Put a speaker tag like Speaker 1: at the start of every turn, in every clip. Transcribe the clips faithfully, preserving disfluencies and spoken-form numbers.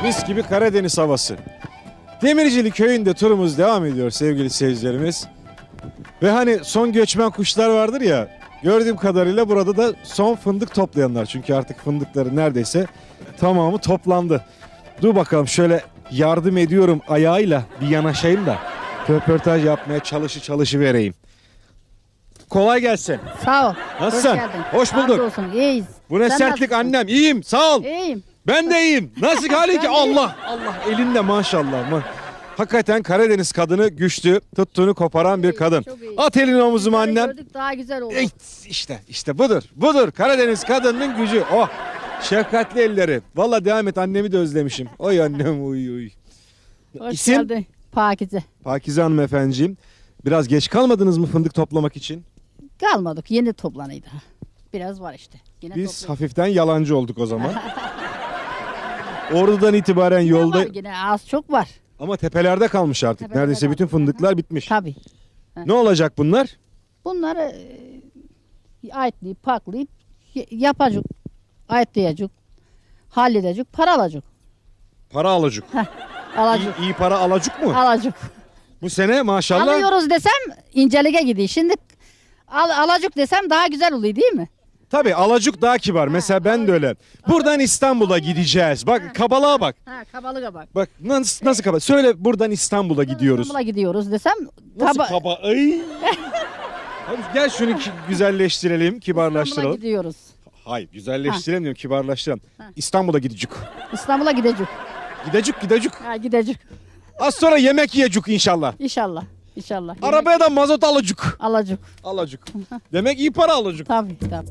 Speaker 1: Mis gibi Karadeniz havası. Demircili köyünde turumuz devam ediyor sevgili seyircilerimiz. Ve hani son göçmen kuşlar vardır ya, gördüğüm kadarıyla burada da son fındık toplayanlar. Çünkü artık fındıkları neredeyse tamamı toplandı. Dur bakalım, şöyle yardım ediyorum ayağıyla bir yanaşayım da röportaj yapmaya çalışı çalışı vereyim. Kolay gelsin.
Speaker 2: Sağ ol.
Speaker 1: Nasılsın?
Speaker 2: Hoş geldin.
Speaker 1: Hoş bulduk.
Speaker 2: Olsun. İyiyiz.
Speaker 1: Bu ne
Speaker 2: Sen
Speaker 1: sertlik
Speaker 2: nasılsın?
Speaker 1: annem. İyiyim, sağ ol.
Speaker 2: İyiyim.
Speaker 1: Ben de iyiyim. Nasıl hali ki?
Speaker 2: Ben de
Speaker 1: Allah Allah, elinde maşallah. Ma- Hakikaten Karadeniz kadını güçlü, tuttuğunu koparan bir
Speaker 2: İyi,
Speaker 1: kadın.
Speaker 2: çok iyi.
Speaker 1: At elini omuzuma
Speaker 2: Bunları
Speaker 1: annem.
Speaker 2: Gördük daha güzel oldu.
Speaker 1: Ey, işte işte budur. Budur Karadeniz kadının gücü. Oh. Şefkatli elleri. Vallahi devam et, annemi de özlemişim. Oy annem, uy uy.
Speaker 2: Hoş
Speaker 1: İsim?
Speaker 2: geldin. Pakize.
Speaker 1: Pakize hanımefendiciğim. Biraz geç kalmadınız mı fındık toplamak için?
Speaker 2: Kalmadık. Yeni toplanıydı. Biraz var işte. Yine
Speaker 1: Biz
Speaker 2: toplanıyor.
Speaker 1: hafiften yalancı olduk o zaman. Oradan itibaren
Speaker 2: Yine
Speaker 1: yolda,
Speaker 2: var, yine az çok var.
Speaker 1: ama tepelerde kalmış artık.
Speaker 2: Tepelerde
Speaker 1: Neredeyse bütün
Speaker 2: kalmış.
Speaker 1: fındıklar bitmiş.
Speaker 2: Tabii.
Speaker 1: Ne olacak bunlar?
Speaker 2: Bunları e, ayıtlayıp paklayıp y- yapacak. Ayıtlayacak. Halledecek. Para alacak.
Speaker 1: Para alacak.
Speaker 2: Alacak.
Speaker 1: İyi, iyi para alacak mı?
Speaker 2: Alacak.
Speaker 1: Bu sene maşallah.
Speaker 2: Alıyoruz desem incelige gidiyor. Şimdi al, alacak desem daha güzel oluyor değil mi?
Speaker 1: Tabii alacak daha kibar. Mesela ben de öyle. Buradan İstanbul'a gideceğiz. Bak kabalığa bak.
Speaker 2: Ha kabalığa bak.
Speaker 1: Bak nasıl, nasıl kaba? Söyle, buradan İstanbul'a gidiyoruz.
Speaker 2: İstanbul'a gidiyoruz desem
Speaker 1: Nasıl
Speaker 2: kaba-
Speaker 1: kaba? Ay. Hadi gel şunu ki- güzelleştirelim,
Speaker 2: İstanbul'a
Speaker 1: kibarlaştıralım.
Speaker 2: gidiyoruz.
Speaker 1: Hayır, güzelleştirelim diyorum, kibarlaştıralım.
Speaker 2: Ha.
Speaker 1: İstanbul'a gidecek.
Speaker 2: İstanbul'a gidecek.
Speaker 1: Gidecek, gidecek.
Speaker 2: Ha gidecek.
Speaker 1: Az sonra yemek yiyecek inşallah.
Speaker 2: İnşallah. İnşallah.
Speaker 1: Arabaya da mazot alacak.
Speaker 2: Alacak.
Speaker 1: Alacak. Demek iyi para alacak.
Speaker 2: Tabii tabii.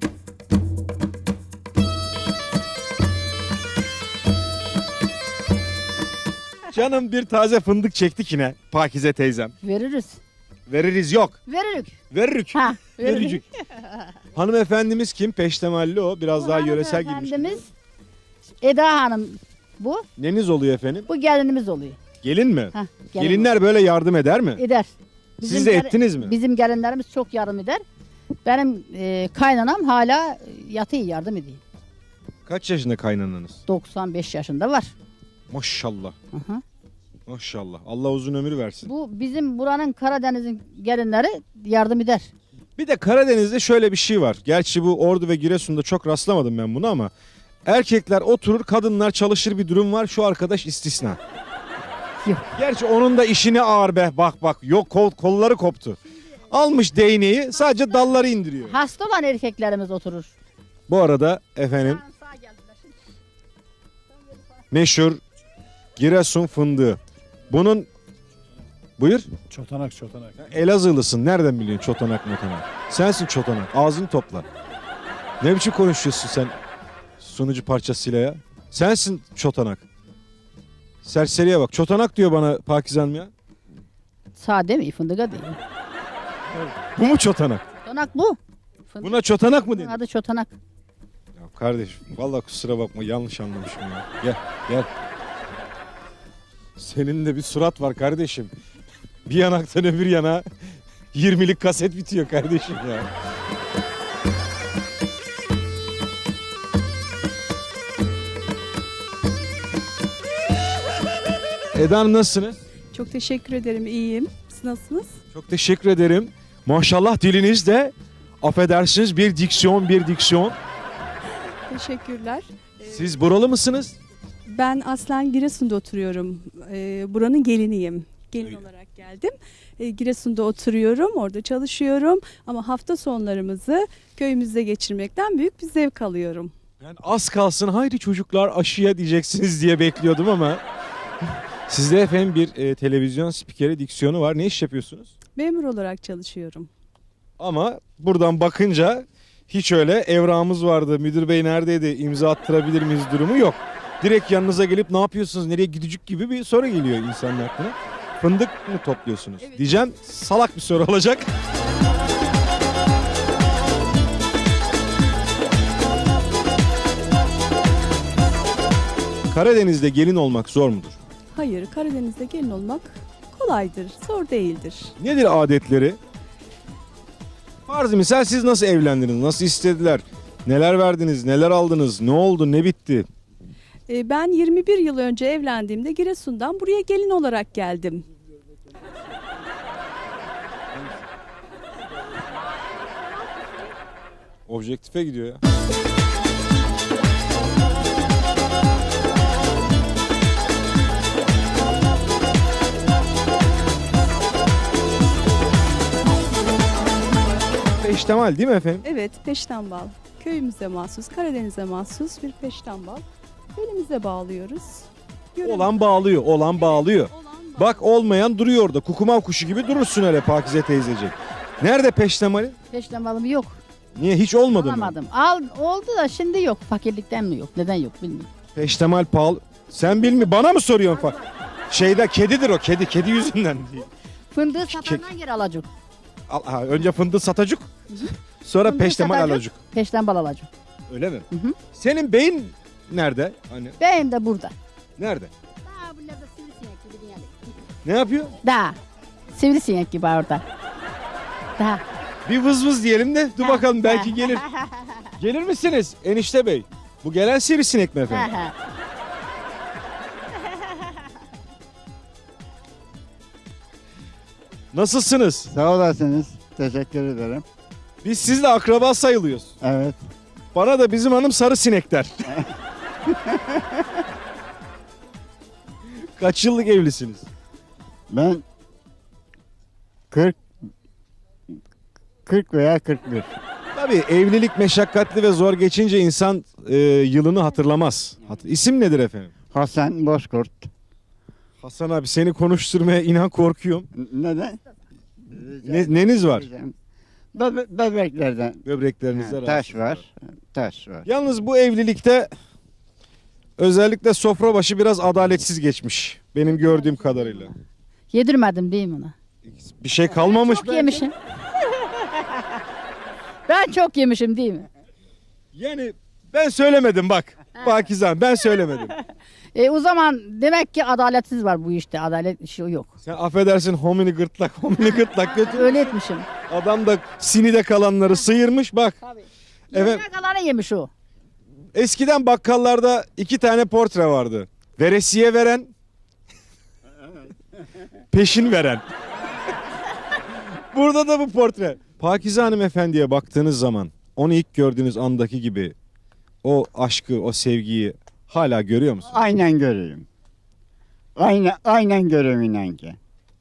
Speaker 1: Canım bir taze fındık çektik yine Pakize teyzem.
Speaker 2: Veririz.
Speaker 1: Veririz yok.
Speaker 2: Veririk.
Speaker 1: Veririk.
Speaker 2: Ha. Veririk.
Speaker 1: Vericik. Hanımefendimiz kim? Peştemalli o. Biraz daha yöresel girmiş.
Speaker 2: Hanımefendimiz Eda Hanım bu.
Speaker 1: Neniz oluyor efendim?
Speaker 2: Bu gelinimiz oluyor.
Speaker 1: Gelin mi?
Speaker 2: Ha, gelin
Speaker 1: Gelinler böyle yardım eder mi?
Speaker 2: eder.
Speaker 1: Siz de
Speaker 2: gel-
Speaker 1: ettiniz mi?
Speaker 2: Bizim gelinlerimiz çok yardım eder. Benim e, kaynanam hala yatıyor yardım ediyor.
Speaker 1: Kaç yaşında kaynananız?
Speaker 2: doksan beş yaşında var.
Speaker 1: Maşallah.
Speaker 2: Hı hı.
Speaker 1: Maşallah. Allah uzun ömür versin.
Speaker 2: Bu bizim buranın Karadeniz'in gelinleri yardım eder.
Speaker 1: Bir de Karadeniz'de şöyle bir şey var. Gerçi bu Ordu ve Giresun'da çok rastlamadım ben bunu ama erkekler oturur, kadınlar çalışır bir durum var. Şu arkadaş istisna.
Speaker 2: Yok.
Speaker 1: Gerçi onun da işini ağır be. Bak bak. Yok, kol, kolları koptu. Almış değneği, sadece dalları indiriyor.
Speaker 2: Hasta olan erkeklerimiz oturur.
Speaker 1: Bu arada efendim meşhur Giresun fındığı. Bunun, buyur.
Speaker 3: Çotanak çotanak.
Speaker 1: Elazığlısın. Nereden biliyorsun çotanak motanak? Sensin çotanak. Ağzını topla. Ne biçim konuşuyorsun sen sunucu parçasıyla ya? Sensin çotanak. Serseriye bak. Çotanak diyor bana Pakize Hanım ya.
Speaker 2: Sade mi? Fındığa değil.
Speaker 1: Bu mu çotanak?
Speaker 2: Çotanak bu. Fındık.
Speaker 1: Buna çotanak mı denir?
Speaker 2: Adı çotanak.
Speaker 1: Ya kardeşim vallahi kusura bakma, yanlış anlamışım ya. Gel gel. Senin de bir surat var kardeşim. Bir yanaktan öbür yana yirmilik kaset bitiyor kardeşim ya. Eda Hanım nasılsınız?
Speaker 4: Çok teşekkür ederim, iyiyim. Siz nasılsınız?
Speaker 1: Çok teşekkür ederim. Maşallah diliniz de, affedersiniz, bir diksiyon bir diksiyon.
Speaker 4: Teşekkürler.
Speaker 1: Siz buralı mısınız?
Speaker 4: Ben aslen Giresun'da oturuyorum. Ee, buranın geliniyim. Gelin
Speaker 1: Öyle.
Speaker 4: olarak geldim. Ee, Giresun'da oturuyorum, orada çalışıyorum. Ama hafta sonlarımızı köyümüzde geçirmekten büyük bir zevk alıyorum.
Speaker 1: Ben az kalsın haydi çocuklar aşıya diyeceksiniz diye bekliyordum ama sizde efendim bir e, televizyon spikeri diksiyonu var. Ne iş yapıyorsunuz?
Speaker 4: Memur olarak çalışıyorum.
Speaker 1: Ama buradan bakınca hiç öyle evrağımız vardı, müdür bey neredeydi, imza attırabilir miyiz durumu yok. Direkt yanınıza gelip ne yapıyorsunuz, nereye gidecek gibi bir soru geliyor insanın aklına. Fındık mı topluyorsunuz?
Speaker 4: Evet.
Speaker 1: Diyeceğim, salak bir soru olacak. Karadeniz'de gelin olmak zor mudur?
Speaker 4: Hayır, Karadeniz'de gelin olmak kolaydır, zor değildir.
Speaker 1: Nedir adetleri? Farz misal siz nasıl evlendiniz? Nasıl istediler? Neler verdiniz? Neler aldınız? Ne oldu? Ne bitti?
Speaker 4: E, ben yirmi bir yıl önce evlendiğimde Giresun'dan buraya gelin olarak geldim.
Speaker 1: Objektife gidiyor ya. Peştemal değil mi efendim?
Speaker 4: Evet, peştembal. Köyümüze mahsus, Karadeniz'e mahsus bir peştembal. Belimize bağlıyoruz. Görev-
Speaker 1: Olan bağlıyor, olan bağlıyor.
Speaker 4: Olan bağ-
Speaker 1: Bak olmayan duruyor orada. Kukumav kuşu gibi durursun öyle Pakize teyzeciğim. Nerede peştemali?
Speaker 2: Peştemalım yok.
Speaker 1: Niye hiç olmadı mı?
Speaker 2: Alamadım. Al, oldu da şimdi yok. Fakirlikten mi yok? Neden yok bilmiyorum.
Speaker 1: Peştemal pahalı. Sen bilmi bana mı soruyorsun fa? Şeyde kedidir o kedi. Kedi yüzünden değil.
Speaker 2: Fındığı satandan geri alacak.
Speaker 1: Al, ha, önce fındığı satacak. Sonra
Speaker 2: Fındığı
Speaker 1: peştemal
Speaker 2: satacak.
Speaker 1: alacak.
Speaker 2: Peştembal alacak.
Speaker 1: Öyle mi?
Speaker 2: Hı hı.
Speaker 1: Senin beyin nerede? Hani
Speaker 2: Benim de burada.
Speaker 1: nerede?
Speaker 2: Daha bunlarda sivrisinek gibi yani.
Speaker 1: Ne yapıyor?
Speaker 2: Daha. Sivrisinek gibi orada. Daha.
Speaker 1: Bir vız vız diyelim de dur bakalım belki
Speaker 2: Ha.
Speaker 1: gelir. Gelir misiniz enişte bey? Bu gelen sivrisinek mi
Speaker 2: Ha,
Speaker 1: efendim?
Speaker 2: ha.
Speaker 1: Nasılsınız?
Speaker 3: Sağ olasınız. Teşekkür ederim.
Speaker 1: Biz sizle akraba sayılıyoruz.
Speaker 3: Evet.
Speaker 1: Bana da bizim hanım sarı sinek der. Kaç yıllık evlisiniz?
Speaker 3: Ben kırk kırk veya kırk bir.
Speaker 1: Tabii evlilik meşakkatli ve zor geçince insan e, yılını hatırlamaz. Hat- İsim nedir efendim?
Speaker 3: Hasan Bozkurt.
Speaker 1: Hasan abi seni konuşturmaya inan korkuyorum.
Speaker 3: N- Neden?
Speaker 1: Ne, neniz var?
Speaker 3: Bebe- bebeklerden.
Speaker 1: Böbreklerinizde
Speaker 3: Ha, taş
Speaker 1: rahatsız
Speaker 3: var. Taş var.
Speaker 1: Yalnız bu evlilikte özellikle sofra başı biraz adaletsiz geçmiş. Benim gördüğüm kadarıyla.
Speaker 2: Yedirmedim değil mi ona?
Speaker 1: Bir şey kalmamış.
Speaker 2: Çok
Speaker 1: belki.
Speaker 2: yemişim. Ben çok yemişim değil mi?
Speaker 1: Yani ben söylemedim bak. Pakizan ben söylemedim.
Speaker 2: E, o zaman demek ki adaletsiz var bu işte. Adalet işi yok.
Speaker 1: Sen affedersin homini gırtlak homini gırtlak götür.
Speaker 2: Öyle etmişim.
Speaker 1: Adam da sinide kalanları sıyırmış bak.
Speaker 2: Tabii.
Speaker 1: Evet.
Speaker 2: Yemeğe kalanı yemiş o.
Speaker 1: Eskiden bakkallarda iki tane portre vardı. Veresiye veren, peşin veren. Burada da bu portre. Pakize hanımefendiye baktığınız zaman onu ilk gördüğünüz andaki gibi o aşkı, o sevgiyi hala görüyor musunuz?
Speaker 3: Aynen görüyorum. Aynen, aynen görüyorum inan ki.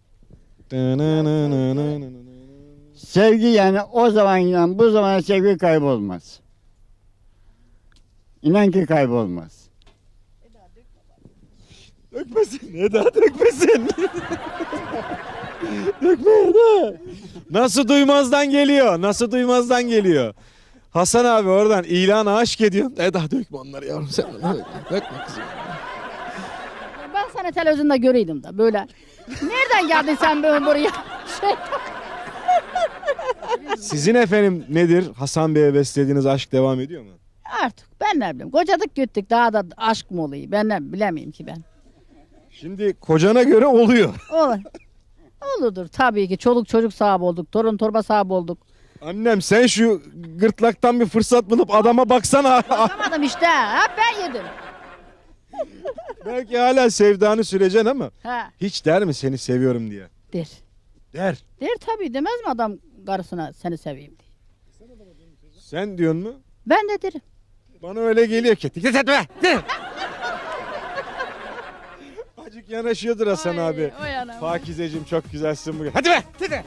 Speaker 3: Sevgi yani o zaman inan bu zaman sevgi kaybolmaz. İnan ki kaybolmaz.
Speaker 1: Dökmesin Eda dökmesin. Dökme Eda. Nasıl duymazdan geliyor? Nasıl duymazdan geliyor? Hasan abi oradan ilana aşk ediyor. Eda dökme onları yavrum sen. Dökme, dökme kızım.
Speaker 2: Ben seni televizyonda göreydim de böyle. Nereden geldin sen böyle buraya? Şey,
Speaker 1: Sizin efendim nedir? Hasan Bey'e beslediğiniz aşk devam ediyor mu?
Speaker 2: artık ben ne bileyim. Kocadık gittik daha da aşk mı oluyor? Ben ne bilemeyim ki ben.
Speaker 1: Şimdi kocana göre oluyor.
Speaker 2: Olur. Olurdur tabii ki. Çoluk çocuk sahibi olduk. Torun torba sahibi olduk.
Speaker 1: Annem sen şu gırtlaktan bir fırsat bulup adama baksana.
Speaker 2: Bakamadım işte. Hep ben yedim.
Speaker 1: Belki hala sevdanı süreceksin ama
Speaker 2: Ha,
Speaker 1: hiç der mi seni seviyorum diye?
Speaker 2: der.
Speaker 1: Der.
Speaker 2: Der tabii demez mi adam karısına seni seveyim diye.
Speaker 1: Sen diyorsun mu?
Speaker 2: Ben de derim.
Speaker 1: Bana öyle geliyor ki. Dikkat etme. Acık yanaşıyordur Hasan abi.
Speaker 2: O yana.
Speaker 1: Pakizeciğim çok güzelsin bugün. Hadi be. Hadi.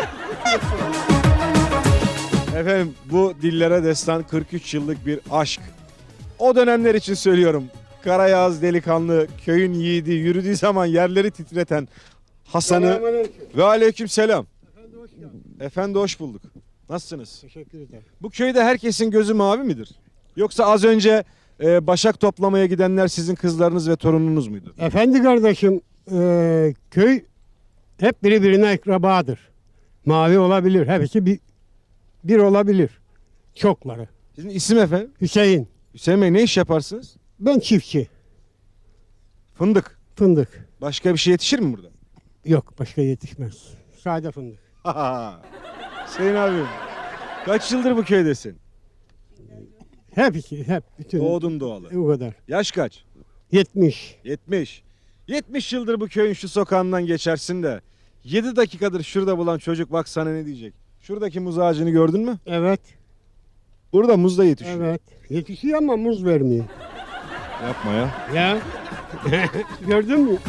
Speaker 1: Efendim bu dillere destan kırk üç yıllık bir aşk. O dönemler için söylüyorum. Karayağız delikanlı, köyün yiğidi, yürüdüğü zaman yerleri titreten Hasan'ı ve aleyküm selam. Efendi hoş bulduk. Nasılsınız?
Speaker 5: Teşekkür ederim.
Speaker 1: Bu köyde herkesin gözü mavi midir? Yoksa az önce e, başak toplamaya gidenler sizin kızlarınız ve torununuz muydu?
Speaker 5: Efendi kardeşim, e, köy hep birbirine akrabadır. Mavi olabilir, hepsi bir, bir olabilir. Çokları.
Speaker 1: Sizin isim efendim?
Speaker 5: Hüseyin,
Speaker 1: Hüseyin Bey ne iş yaparsınız?
Speaker 5: ben çiftçi,
Speaker 1: Fındık.
Speaker 5: fındık.
Speaker 1: Başka bir şey yetişir mi burada?
Speaker 5: Yok, başka yetişmez. Sade fındık.
Speaker 1: Hüseyin abim. Kaç yıldır bu köydesin?
Speaker 5: Hepsi, hep, bütün.
Speaker 1: Doğdun doğalı.
Speaker 5: O kadar.
Speaker 1: Yaş kaç?
Speaker 5: yetmiş.
Speaker 1: yetmiş. yetmiş yıldır bu köyün şu sokağından geçersin de yedi dakikadır şurada bulan çocuk bak sana ne diyecek. Şuradaki muz ağacını gördün mü?
Speaker 5: Evet.
Speaker 1: Burada muz da yetişiyor.
Speaker 5: Evet. Yetişiyor ama muz vermiyor.
Speaker 1: Yapma ya.
Speaker 5: Ya. Gördün mü?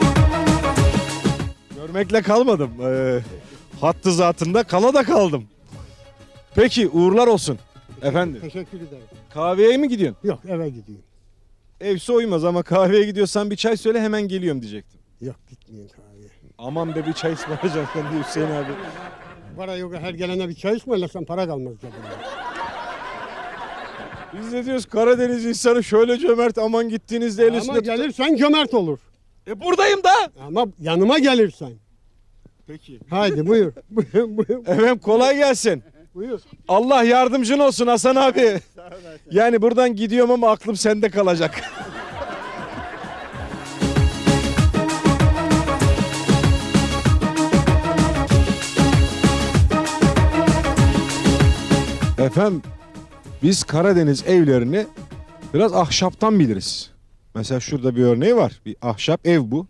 Speaker 1: Görmekle kalmadım. Ee, hattı zatında kala da kaldım. Peki uğurlar olsun. Efendim
Speaker 5: Teşekkür ederim.
Speaker 1: kahveye mi gidiyorsun?
Speaker 5: Yok eve gidiyorum.
Speaker 1: Evse uymaz ama kahveye gidiyorsan bir çay söyle hemen geliyorum diyecektim.
Speaker 5: Yok gitmeyeyim kahveye.
Speaker 1: Aman be bir çay ısmarlayacaksın sen de Hüseyin abi.
Speaker 5: Para yok her gelene bir çay ısmarlasan para kalmaz cebinde.
Speaker 1: Biz de diyoruz Karadeniz insanı şöyle cömert aman gittiğinizde el
Speaker 5: Ama
Speaker 1: üstünde tutar.
Speaker 5: gelirsen cömert olur.
Speaker 1: E buradayım da.
Speaker 5: Ama yanıma gelirsen.
Speaker 1: Peki.
Speaker 5: Haydi buyur. buyur, buyur.
Speaker 1: Efendim kolay gelsin.
Speaker 5: buyur.
Speaker 1: Allah yardımcın olsun Hasan abi. Yani buradan gidiyorum ama aklım sende kalacak. Efendim biz Karadeniz evlerini biraz ahşaptan biliriz. Mesela şurada bir örneği var. Bir ahşap ev bu.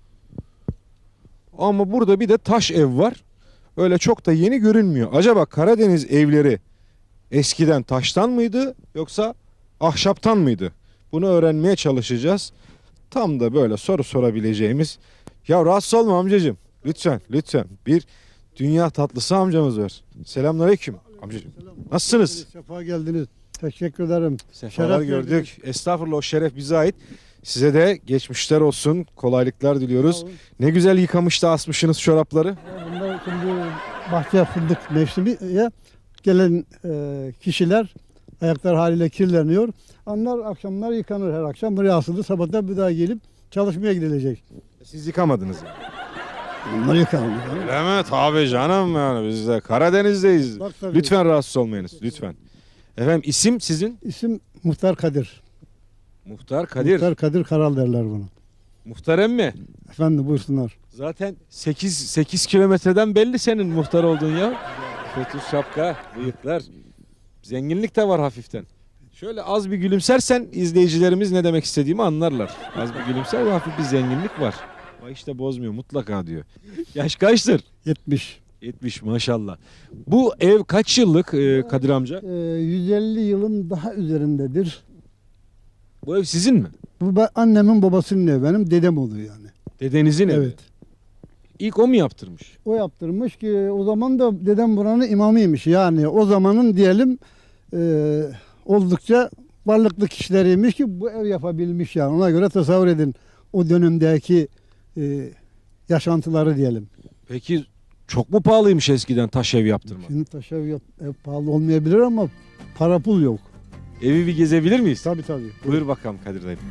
Speaker 1: Ama burada bir de taş ev var. Öyle çok da yeni görünmüyor. Acaba Karadeniz evleri eskiden taştan mıydı yoksa ahşaptan mıydı? Bunu öğrenmeye çalışacağız. Tam da böyle soru sorabileceğimiz. Ya rahatsız olma amcacığım. Lütfen lütfen. Bir dünya tatlısı amcamız var. Selamünaleyküm amcacığım. Nasılsınız?
Speaker 6: Sefa geldiniz. Teşekkür ederim.
Speaker 1: Sefalar
Speaker 6: Şeref
Speaker 1: gördük.
Speaker 6: verdiniz.
Speaker 1: Estağfurullah o şeref bize ait. Size de geçmişler olsun. Kolaylıklar diliyoruz.
Speaker 6: Sağ olun.
Speaker 1: Ne güzel yıkamış da asmışsınız çorapları.
Speaker 6: Bunlar şimdi bahçe fındık mevsimiye gelen e, kişiler ayaklar haliyle kirleniyor. Onlar akşamlar yıkanır her akşam. Buraya asılır. Sabahtan bir daha gelip çalışmaya gidilecek.
Speaker 1: Siz yıkamadınız yani.
Speaker 6: Bunlar yıkanır.
Speaker 1: Öyle mi? Tabii canım yani biz de Karadeniz'deyiz.
Speaker 6: Bak tabii.
Speaker 1: Lütfen rahatsız olmayınız. Lütfen. Efendim isim sizin?
Speaker 6: İsim Muhtar Kadir.
Speaker 1: Muhtar Kadir.
Speaker 6: Muhtar Kadir Karal derler buna.
Speaker 1: Muhtar emmi.
Speaker 6: Efendim buyursunlar.
Speaker 1: Zaten sekiz sekiz kilometreden belli senin muhtar olduğun ya. Kötü şapka, bıyıklar. Zenginlik de var hafiften. Şöyle az bir gülümsersen izleyicilerimiz ne demek istediğimi anlarlar. Az bir gülümser ve hafif bir zenginlik var. Ama işte bozmuyor mutlaka diyor. Yaş kaçtır?
Speaker 6: yetmiş.
Speaker 1: yetmiş maşallah. Bu ev kaç yıllık e, Kadir amca?
Speaker 6: E, yüz elli yılın daha üzerindedir.
Speaker 1: Bu ev sizin mi?
Speaker 6: Bu ba- annemin babasının evi. Benim dedem oluyor yani.
Speaker 1: Dedenizin evi.
Speaker 6: Evet.
Speaker 1: İlk o mu yaptırmış?
Speaker 6: O yaptırmış ki o zaman da dedem buranın imamıymış. Yani o zamanın diyelim e, oldukça varlıklı kişileriymiş ki bu ev yapabilmiş yani. Ona göre tasavvur edin o dönemdeki e, yaşantıları diyelim.
Speaker 1: Peki çok mu pahalıymış eskiden taş ev yaptırmak?
Speaker 6: Şimdi taş ev, yap, ev pahalı olmayabilir ama para pul yok.
Speaker 1: Evi bir gezebilir miyiz?
Speaker 6: Tabii tabii.
Speaker 1: Buyur bakalım Kadir dayı.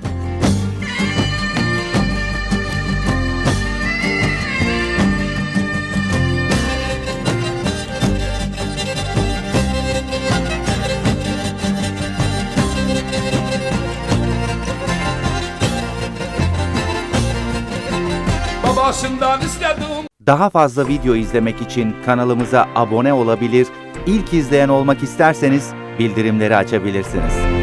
Speaker 7: Babasından istedim.
Speaker 8: Daha fazla video izlemek için kanalımıza abone olabilir, ilk izleyen olmak isterseniz bildirimleri açabilirsiniz.